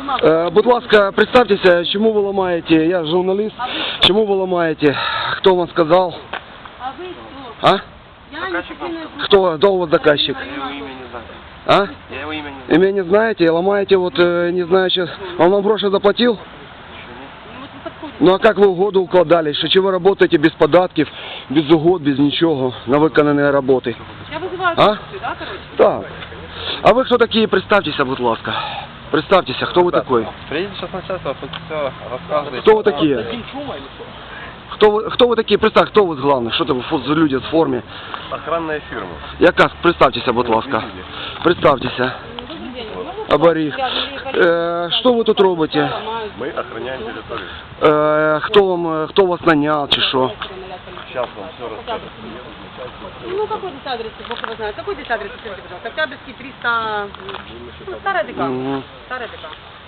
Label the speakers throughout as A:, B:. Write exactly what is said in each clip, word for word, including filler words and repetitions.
A: Е, будь ласка, представтеся, чому ви ламаєте, я журналіст, чому ви ламаєте, хто вам сказав?
B: А вы кто?
A: А?
B: Я не сильно...
A: Кто, кто у вас заказчик?
C: Я его имя не знаю.
A: А?
C: Я его имя не знаю.
A: Имя не знаете, ломаете, вот, э, не знаю, сейчас, он вам гроши заплатил?
B: Ну вот вы подходите.
A: Ну а как вы угоду укладали? Що чи ви работаете без податків, без угод, без нічого, на виконані роботи?
B: Я вызываю
A: А?
B: полицию, да, короче?
A: Так. А ви хто такі? Представтеся, будь ласка. Представтеся, хто ви такой?
C: Приедет сейчас начальство, тут все рассказывает.
A: Кто вы такие? Хто ви, хто ви такі? Представ, хто ви главний? Що це ви фу- за люди в формі?
C: Охранная фирма.
A: Яка? Представтеся, будь ласка. Представтеся.
B: Добрый день.
A: Оборіг. Е, що ви тут робите?
C: Мы охраняем территорию.
A: Е, хто вам, хто вас наняв чи що?
C: Сейчас вам все расскажу.
B: Ну какой здесь адрес, Бог его знает. Какой здесь адрес, скажите, пожалуйста? Октябрьский триста... Ну, старая ДК.
A: Мгм.
B: Старая ДК.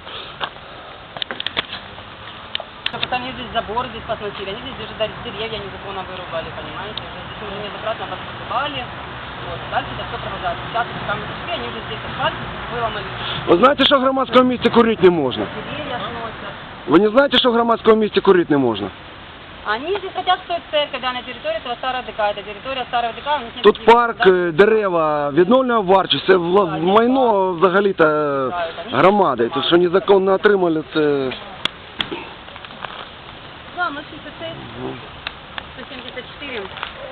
B: Потому они здесь заборы здесь посносили, они здесь даже даже деревья незаконно вырубали, понимаете? Здесь уже неоднократно обосновали. Вот. Дальше это все продолжается. Сейчас там пришли, они уже здесь асфальт выломали.
A: Ви знаєте, що в громадському місці курити не можна?
B: Деревья сносят.
A: Ви не знаєте, що в громадському місці курити не можна?
B: Они здесь хотят строить церковь, да, на территории этого старого ДК. Это территория старого ДК. У них нет
A: Тут
B: никаких,
A: парк,
B: да,
A: е, дерева, відновлюввана вартість, це вла- майно взагалі-то е, громади. Тут що незаконно отримали, це...
B: Да, ноль шестьдесят шесть, сто семьдесят четыре.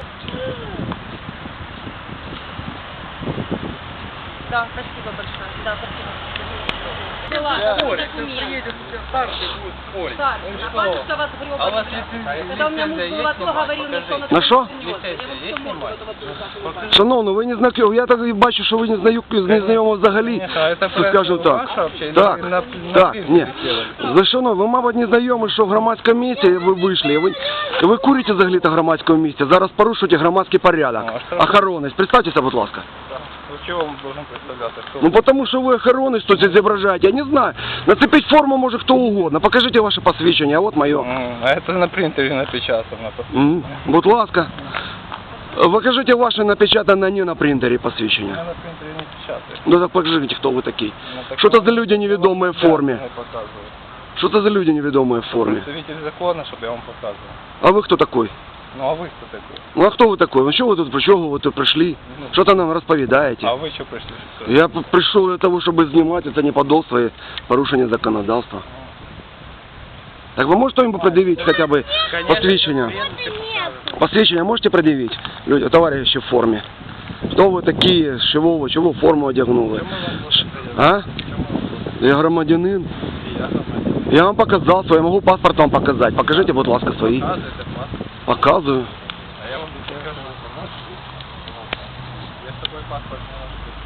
B: Да, спасибо большое. Да, спасибо.
C: Спорить,
B: Документ.
C: приедет сейчас старший будет спорить.
B: Старший, а батюшка вас гребаный.
C: А у вас лицензия
B: Когда у меня муж
C: есть
B: был в АТО,
C: снимать?
B: говорил мне, что он
A: На что?
B: Я вот
C: Лицензия есть
B: всё морду
C: снимать?
B: этого дурака.
A: Шановно, ви не знайомі, я так і бачу, що ви не знаю, не знайомі взагалі, що скажу так. Так, так, ні. За шановно, ви, мабуть, не знайомі, що в громадському місці ви вийшли, ви, ви курите взагалі-то в громадському місці, зараз порушуєте громадський порядок. Охоронець, представтеся, будь ласка.
C: Ну чего он должен представляться? Кто?
A: Ну потому що ви охоронець тут зображаєте, я не знаю. Нацепить форму може хто угодно, покажіть ваше посвідчення, а от моє.
C: М, А это на принтере напечатано.
A: М, Будь ласка. Покажите ваше напечатане не на принтері посвідчення.
C: Я на принтере не печатаю.
A: Ну так покажите, хто ви такий.
C: Ну, так
A: Що це
C: он-
A: за люди невідомі в формі?
C: Я показываю.
A: Що це за люди невідомі в формі?
C: Представитель закона, чтобы я вам показывал.
A: А ви хто такий?
C: Ну а вы кто такой?
A: Ну а хто ви такий? Ну що ви тут, про чого ви тут прийшли? Що там нам розповідаєте?
C: А вы что пришли?
A: Я п- прийшов для того, щоб знімати це неподобство і порушення законодавства. Так ви можете їм пред'явити хоча б посвідчення? Посвідчення можете пред'явити? Люди, товариші в формі. Хто ви такі, з чого ви, чого форму одягнули? Ш- А? Я громадянин. Я вам показав свій, я можу паспорт вам показати. Покажіть, будь ласка, свої. Показую.
C: А я вам покажу. Я с тобой паспорт не могу.